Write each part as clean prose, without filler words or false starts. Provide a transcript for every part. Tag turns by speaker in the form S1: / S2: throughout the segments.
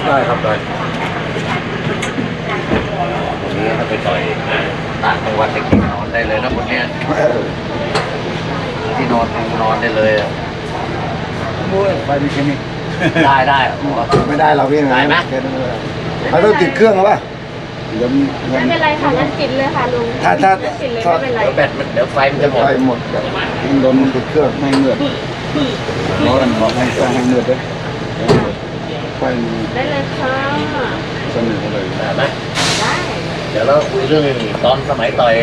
S1: ได้ครับได้
S2: วันนี้ถ้าไปต่อยต่างจังหวัดจะกินนอนได้เลยนะคนเนี้ยที่นอนได้เลยอ่ะ
S1: โอ้ยไปมีแค่นี้
S2: ได้
S1: ไม่ได้เราพี่นะ
S2: ได้ไหม
S1: เขาต้องติดเครื่องหรือเปล่าเดี๋ยว
S3: ไม่เป็นไรค่ะงั้นปิดเลยค่ะลุง
S1: ถ้า
S3: ปิดเลยไม่เป็นไร
S2: เดี๋ยวแบตมันเดี๋ยวไฟมัน
S1: จะ
S2: จะหมด
S1: ไฟหมดแบบโดนติดเครื่องไม่เงือดร้อนบอกให้สร้างให้เงือดด้วยไฟ
S3: ได้เลยค่ะ
S1: สนิทเลย
S2: ได้ไหม
S3: ได้
S2: เดี๋ยวเราคุยเรื่องตอนสมัยต่อย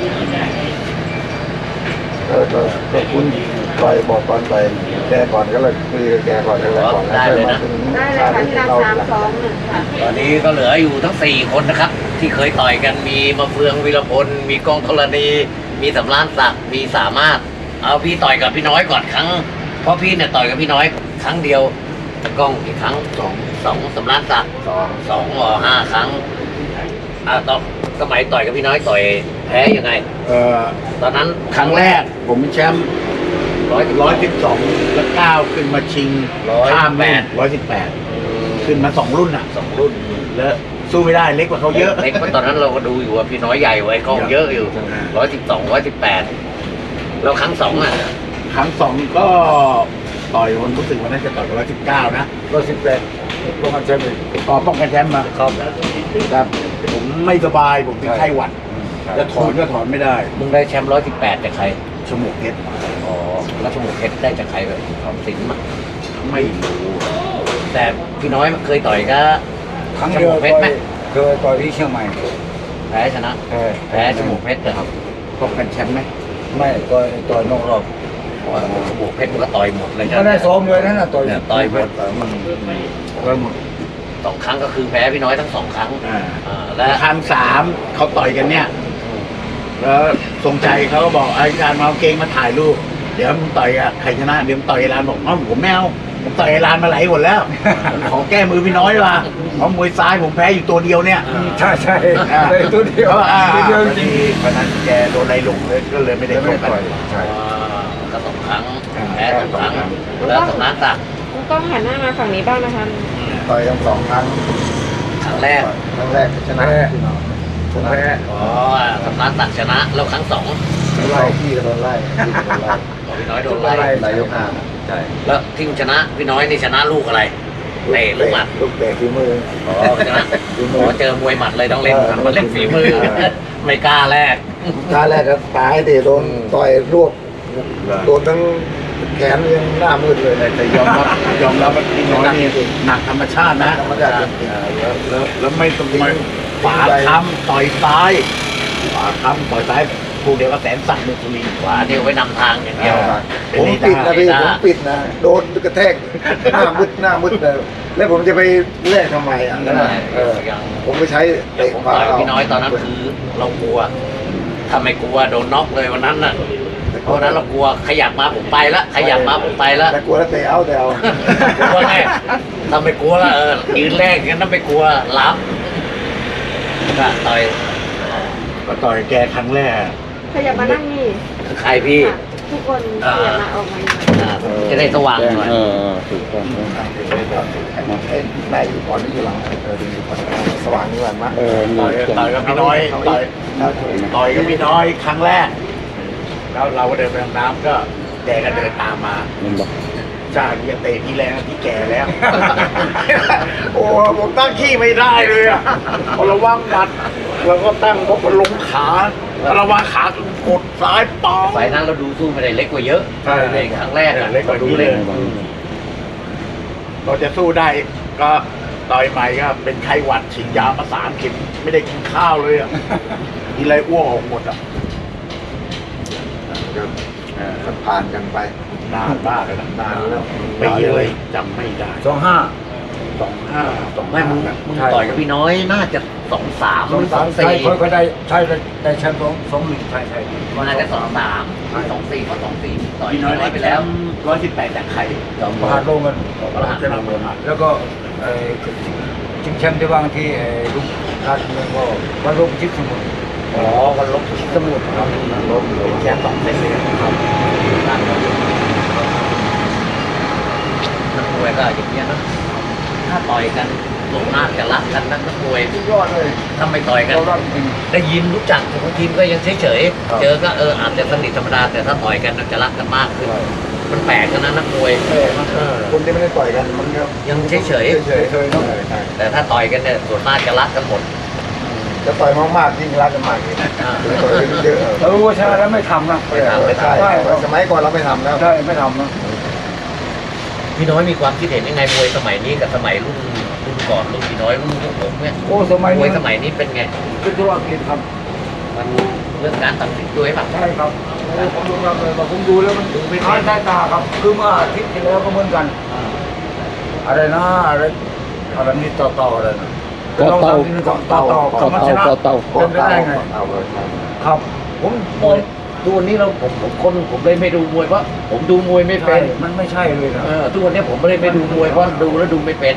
S1: ก็คุณต่อยบอกตอนไปแกก่อนก็เลยคุยกับแกก่อนก็เลยก่อนแล้วค่อยมาถึง
S3: ได้เลยค่ะที่เรา321ค่ะ
S2: ตอนนี้ก็เหลืออยู่ทั้ง4คนนะครับ ที่เคยต่อยกันมีมาเฟืองวีรพลมีกองธรณีมีสำรานศักดิ์มีสามารถเอาพี่ต่อยกับพี่น้อยก่อนครั้งเพราะพี่เนี่ยต่อยกับพี่น้อยครั้งเดียวกล้องกี่ครั้งสองสำรานศักดิ์สอง5 ครั้งตอนสมัยต่อยกับพี่น้อยต่อยแพ้ยังไงตอนนั้นครั้งแรก
S1: ผมเป็นแชมป์
S2: 112
S1: แล้วก้าวขึ้นมาชิงข้ามรุ่นขึ้นมา2 รุ่นอ่ะ
S2: 2 รุ่น
S1: แล้วสู้ไม่ได้เล็กกว่าเขาเยอะ
S2: เล็กเพราะตอนนั้นเราก็ดูอยู่ว่าพี่น้อยใหญ่ไว้กล้องเยอะอยู่112 118แล้วครั้ง2อ่ะ
S1: ครั้ง2ก็ต่อยวันรู้สึกว่าน่าจะต่อย119นะ118ป้องกันแชมป์ป้องกันแชมป์มา
S2: ครับ
S1: แต่ผมไม่สบายผมเป็นไข้หวัดจะถอนก็ถอนไม่ได้
S2: มึงได้แชมป์118จากใคร
S1: ชมูกเพชร
S2: อ๋อแล้วชมพูเพชรได้จากใครแบบของสิงห์มา
S1: ไม่รู้
S2: แต่พี่น้อยเคยต่อยก็
S4: ครั้งเดียว
S2: ชมพูเพชรไหม
S4: เคยต่อยที่เชียงใหม่
S2: แพ้ชนะแพ้ชมพูเพชรนะครับ
S1: ป้องกันแชมป์ไหม
S4: ไม่ต่อยนอกรอบ
S2: เพราะว่าชมพูเพชรมันก็ต่อยหมดเลย
S4: ก็ได้ซ้อมเลยนั่นน่ะต่อย
S2: เนี่ยต่อยหมด
S1: ก็หมด
S2: 2 ครั้งก็คือแพ้พี่น้อยทั้ง 2 ครั้ง
S1: อ่า
S2: และ
S1: ครั้ง3เขาต่อยกันเนี่ย แล้วทรงใจเขาก็บอกไอ้การมาเอาเกงมาถ่ายรูปเดี๋ยวมึงต่อยอะใครชนะเดี๋ยวมึงต่อยไอ้ร้านบอกอ้าวผมไม่เอาผมต่อยไอ้ร้านมาไหลหมดแล้วขอแก้มือพี่น้อยว่ะเพราะมวยซ้ายผมแพ้อยู่ตัวเดียวเนี่ย
S4: ใช่เลยตัวเดียว
S1: ตัวเดียว
S4: จ
S1: จ
S4: ริ
S1: ริ
S4: ง
S1: งเพราะนั้นแกโดนไล่ลงเลยก็เลยไม่ได้ชกกัน
S4: ใช่
S2: ก็ 2 ครั้งแพ้2 ครั้งแล้วสำนักศักดิ์
S3: ลุงต้องหันหน้ามาฝั่งนี้บ้างนะคะ
S1: ต่อยทั้ง2 ครั้ง
S2: ครั้งแรก
S1: ครั้งแรกชนะพี่น้อง
S4: ผมแพ้
S2: อ๋อสำนักศักดิ์ชนะแล้วครั้ง 2
S1: ไล่พี่ก็โดนไล่พี่ก็โดนไล่
S2: พี่น้อยโดนไล่
S1: ไล่ยกห้าใช่
S2: แล้วที่ชนะพี่น้อยนี่ชนะลูกอะไรเตะลูกหมัด
S1: ลูกเตะฝีมือ
S2: อ๋อชนะอ๋อเจอมวยหมัดเลยต้องเล่นมันเล่นฝีมือ ไม่กล้าแรก
S1: ท่าแรกก็ตายเตะโดนต่อยรวบโดนทั้งแขนยังหน้ามืดเลยแต่ยอมรับว่าพี่น้อยนี่หนักธรรมชาตินะแล้วไม่ต้องมาฝาค้ำต่อยซ้ายฝาค้ำต่อยซ้ายคู่เดียวก็แสนสั่งมุสุริน
S2: ขวาเดียวไว้นำทางอย่างเดียว
S1: ผมปิดนะพี่ผมปิดนะโดนกระแทกหน้ามืดเลยแล้วผมจะไปแลกทำไมอ่ะผมไปใช้
S2: เดี๋ยว
S1: เตะ
S2: ผม
S1: ขวา
S2: ต่อยพี่น้อยตอนนั้นคือเรากลัวถ้าไม่กลัวโดนน็อกเลยวันนั้นน่ะเพราะนั้นเรากลัวขยับมาผมไปละขยับมาผมไปละ
S1: แต่กลัวแล้วเตะเอาแต่เอา
S2: กลัวไงถ้าไม่กลัวละยืนแรกงั้นถ้าไม่กลัวรับก็ต่อย
S1: ก็ต่อยแกครั้งแรก
S3: ขยับมานั่งนี่
S2: ใครพี่
S3: ค่ะทุกคนขยับมาออกมาหน่อย
S2: จะได้สว่างหน่อย
S1: ถูกต้องได้อยู่ก่อนที่อยู่หลังดีอยู่ก่อนสว่างนี่แหละมั้งต่อยกับพี่น้อยต่อยกับพี่น้อยครั้งแรกแล้วเราก็เดินไปน้ำก็แกก็เดินตามมาจ้าอย่าเตะพี่แรงพี่แก่แล้ว โอ้ผมตั้งขี้ไม่ได้เลยอ่ะพอระวังหมัดแล้วก็ตั้งพอลงขาระวังขากดซ้ายปอง
S2: ไฟนั้นเราดูสู้ไม่ได้เล็กกว่าเยอะ
S1: ใช่
S2: ในครั้งแรกอะ
S1: เล็กกว่า
S2: ดู
S1: ดู
S2: เล็
S1: เล็
S2: ก
S1: กเราจะสู้ได้ก็ต่อยใหม่ก็เป็นไข้หวัดฉีดยามา3 เข็มไม่ได้กินข้าวเลยอ่ะกินอะไรอ้วกออกหมดอ่ะก็ผ่านกันไปนานมากเลยนะนานแล้วปีเลยจำไม่ได้ 25
S2: ไม่มึงต่อยกับพี่น้อยน่าจะ2-3หรือ
S4: ใช่
S2: 2-4
S4: เขาได้แชมป์2-1ใช่
S2: มันน่าจะ2-3 2-4เพราะ2-4ต่อย
S1: พี่
S2: พี่
S1: น้
S2: น้
S1: อ
S2: อย ย
S1: ได้
S2: ไป
S1: ไป
S2: แล้
S1: แล้ว ว118จากใคร
S4: ประหารโลงกัน
S2: ประหาร
S1: จะนำเมืองมา
S4: แล้วก็ชิงแชมป์ที่วางที่ลุงราชดำเนินก็วันลบชิดสมุทร
S2: อ๋อวันลบสมุดครับ
S1: ลบแค่2 เซนเลยครับ
S2: นักมวยก็อย่างเงี้ยนะถ้าต่อยกันส่วนมากจะรักกันนักมวย
S4: สุดยอดเลย
S2: ถ้าไม่ต่อยกัน
S4: เรารักจริง
S2: ได้ยินรู้จักบางทีมก็ยังเฉย
S4: ครับ
S2: ๆเจอก็อาจจะสนิทธรรมดาแต่ถ้าต่อยกันจะรักกันมากขึ้นมันแปลกกันนะนักมวย
S1: คนที่ไม่ได้ต่อยกันมันก็
S2: ยังเฉย
S4: เฉยๆเนาะ
S2: ๆแต่ถ้าต่อยกันเนี่ยส่วนมากจะรักกันหมด
S1: จะต่อยมากๆยิ่งรักกันมากเลย
S2: อ่า
S1: ต่อยกันเยอะ
S4: เรารู้ว่าชนะแล้วไม่ทำนะ
S1: ใช่สมัยก่อนเราไม่ทำแล้ว
S4: ใช่ไม่ทำนะ
S2: พี่น้อยมีความคิดเห็นยังไงมวยสมัยนี้กับสมัยรุ่นก่อนรุ่นพี่น้อยรุ่นพวกผมเนี่ย
S4: โอ้สมัย
S2: มวย
S4: นี้
S2: สมัยนี้เป็นไง
S4: เป็นธุรกิจครับ
S2: มันเรื่องการตัดสินด้วยป่ะ
S4: ใช่ครับผมดูครับเลยผมดูแล้วมันเป็นท้ายใต้ตาครับคือเมื่ออาทิตย์ที่แล้วก็เหมือนกัน อะไรนะอะไรนี่ต่ออะไรนะต่อมันชนะเป็นไปได้ไง
S1: เอาเลยครับ
S4: ครับ
S2: ผมมองทุกวันนี้ผมเลยไม่ดูมวยเพราะผมดูมวยไม่
S4: ใช่
S2: เป็น
S4: มันไม่ใช่เลยนะ
S2: ทุกวันนี้ผมไม่ได้ไปดูมวยเพราะดูแล้วดูไม่เป็น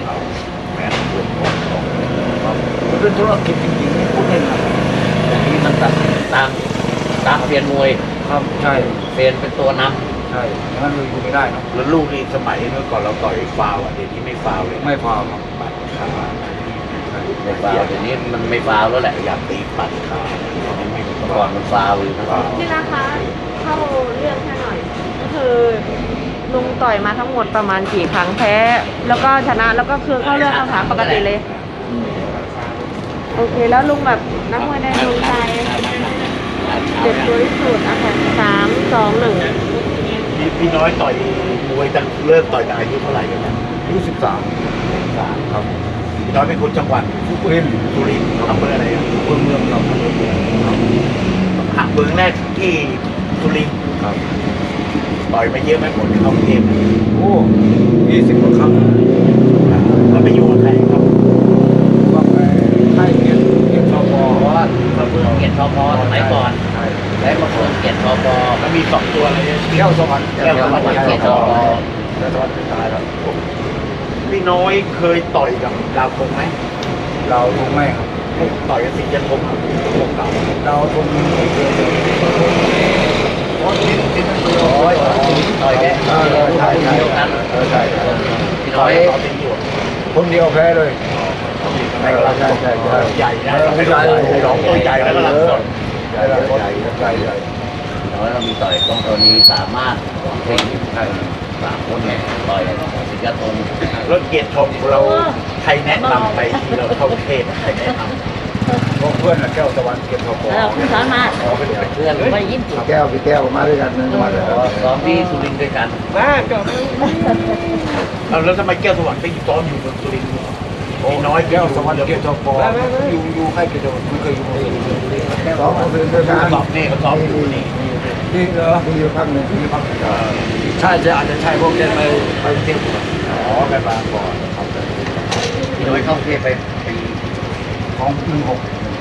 S4: มันเป็นธุรกิจจริงๆพูดเล่นนะ
S2: อย่างนี้มันตัดตามเซียนมวย
S4: ครับใช่
S2: เซียนเป็นตัวนำ
S4: ใช่งั้นเลยอยู่ไม่ได้นะ
S1: แล้วลูกนี่สมัยเมื่อก่อนเราต่อยฟาวเดี๋ยวนี้ไม่ฟาวเลย
S4: ไม่พอครับ
S1: ปัดขา
S2: ไม่ฟาวล์เดี๋ยวนี้มันไม่ฟาวล์แล้วแหละ
S1: อยากตีปัดขาไม่
S2: เมื่อก่อนมันฟาวล์อยู่นะ
S3: นี่นะคะเข้าเรื่องแค่หน่อย ก็คือลุงต่อยมาทั้งหมดประมาณกี่ครั้งแพ้ แล้วก็ชนะแล้วก็คือเข้าเรื่องคำถามปกติเลย โอเคแล้วลุงแบบนักมวยในดวงใจเด็ดตัวที่สุดอ่ะค่ะ3 2 1
S1: พี่น้อยต่อยมวยตั้งเริ่มต่อยตั้งอายุเท่าไหร่กันนะ
S4: อายุ13ครับ
S1: พี่น้อยเป็นคนจังหวัด
S4: ทุกเล่น
S1: สุรินทร์อำเภออะไรอ่ะ
S4: เมืองครับ
S1: หักเมืองแรกที่สุรินทร์
S4: ครับ
S1: ต่อยมาเยอะไหมผลเข้ากรุงเทพ
S4: โอ้20กว่าครั้ง
S1: แล้วไปอยู่กับใครครับ
S4: ว่าไปให้เกียรติชพ
S2: เพราะว่ามาเฟืองเกียรติชพสมัยก่อน
S4: ใช่
S2: และมาเฟืองเกียรติชพ
S1: แล้วมี2ตัวอะไรเนี่ย
S4: แก้วสวรรค์
S2: แก้วสวรรค์เกียรติชพ
S4: แก้วสวรรค์สุดท้ายแล้ว
S1: พี่น้อยเคยต่อยกับดาวคงไหม
S4: เราคงไม่ครับ
S1: ต่อยกับสิงห์ยันคงวงเก่า
S4: เราคงเพราะที่นั่นคือ
S2: โอ้ยต่อยแก
S4: ใช่
S2: เดียวกัน
S4: ใช่
S2: พี่
S1: ต่
S2: น้
S1: อ
S2: อยย
S1: ต่อเป็นอยู่
S4: คนเดียวแพ้เลย
S1: ใช่ใหญ่นะร้องตัวใหญ่แล้วก็หลังสด
S4: ใหญ่
S2: พี่น้อยเรามีต่อยกองตัวนี้สามารถเพลง3 คนเนี่ยต่อยสิงคโปร์
S1: รถเกียรติชมเราใครแนะนำไปที่เราเข้าเทศใครแนะนำ
S4: พวกเพื่อนแก้วสวรรค์เกียรติชพ
S3: คุณสามารถ
S2: เพื่อนไม่ยิ้มจุด
S4: แก้วพี่แก้วมาด้วยกันมาเลย
S2: ซ้อมที่สุรินทร์ด้วยกัน
S1: แล้วทำไมแก้วสวรรค์ไปอยู่ซ้อมอยู่เมืองสุรินทร์พี่น้อย
S4: แก้วสวรรค์เกียรติชพอยู่ใกล้เกียรติชพไม่เคยอยู่ซ้อมเป็นด้วยกัน
S1: ซ้อมนี่ก็ซ้อมอยู่นี่
S4: ที่เหรอมีอยู่พักหนึ่งมีพักใช่จะอาจจะใช่พวกเดินไปเที่ยว
S1: อ๋อไปบางก่อนครับ
S2: พี่น้อยเข้าเทพไปปี
S4: ของ16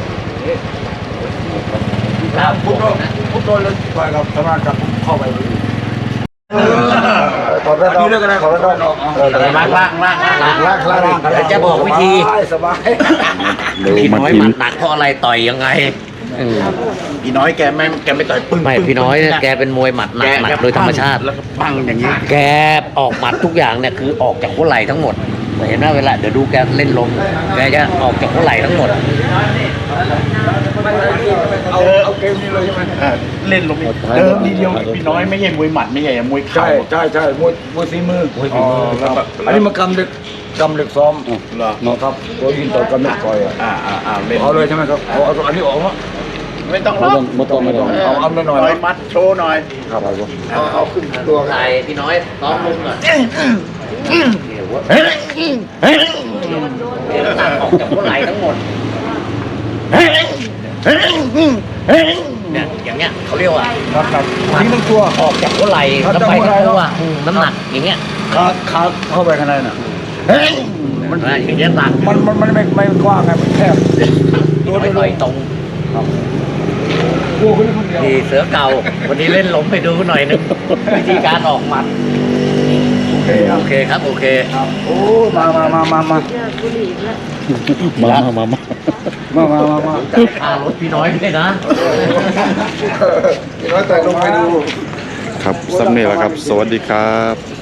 S2: ตามผมนะ
S4: พุทโธแล้วต่อยกับสมากับเข้าไป
S1: ขอรับเรื่องอะไรขอรับ
S2: ล่างเดี๋ยวจะบอกวิธี
S4: สบาย
S2: พี่น้อยหมัดหนักเพราะอะไรต่อยยังไง
S1: พี่น้อยแกไม่ต่อยปึ้ง
S2: ไม่พี่น้อยเนี่ยแกเป็นมวยหมัดหนักโดยธรรมชาติ
S1: แล้วก็ปังอย่างนี้
S2: แกออกหมัดทุกอย่างเนี่ยคือออกจากหัวไหล่ทั้งหมดเห็นไหมเวลาเดี๋ยวดูแกเล่นลมแกจะออกจากหัวไหล่ทั้งหมด
S4: เอาเกมนี้เลยใช่ไหม
S1: เล่นลงเดิมทีเดียวพี่น้อยไม่ใช่มวยหมัดไม่ใช่มวยเข่า
S4: ใช่มวยฝีมือครับอันนี้มากำเด็กซ้อม
S1: เหรอ
S4: ครับตัวยินต่อกำเด็กต่อย
S1: เล่น
S4: เอาเลยใช่ไหมครับเอาอันนี้ออกมั้ย
S1: ไม่ต้องล็อก
S4: ไม่ต้องเอาหน่อย
S1: ต่อยมัดโชว์หน่อย
S4: ครับผม
S1: เอาขึ้นตัว
S2: ไทยพี่น้อยซ้อมลุงก่อนตัดออกจากหัวไหล่ทั้งหมดเนี่ยอย่างเงี้ยเขาเรียกว่า
S4: ครับทิ้งทั้งตัว
S2: ออกจากหัวไหล่แล้วไปทั้งตัวน้ำหนักอย่างเงี้ย
S4: ขาเข้าไปข้างในน่ะ
S2: มันอย่างเงี้ยตัด
S4: มันไม่กว้างไงมันแคบ
S2: ตัวไม่ต่อยตรง
S4: กลัวคนนี้คนเดียว
S2: นี่เสือเก่าวันนี้เล่นล้มไปดูหน่อยนึงวิธีการออกหมัดโอเคครับโอเค
S4: โอ้มา
S3: บุหรี่แล้ว
S4: มา
S2: ค่ารถพี่น้อยด้วยนะ
S1: พี่น้อยต่อยลงไปดู
S5: ครับสำเนียงแล้วครับ สวัสดีครับ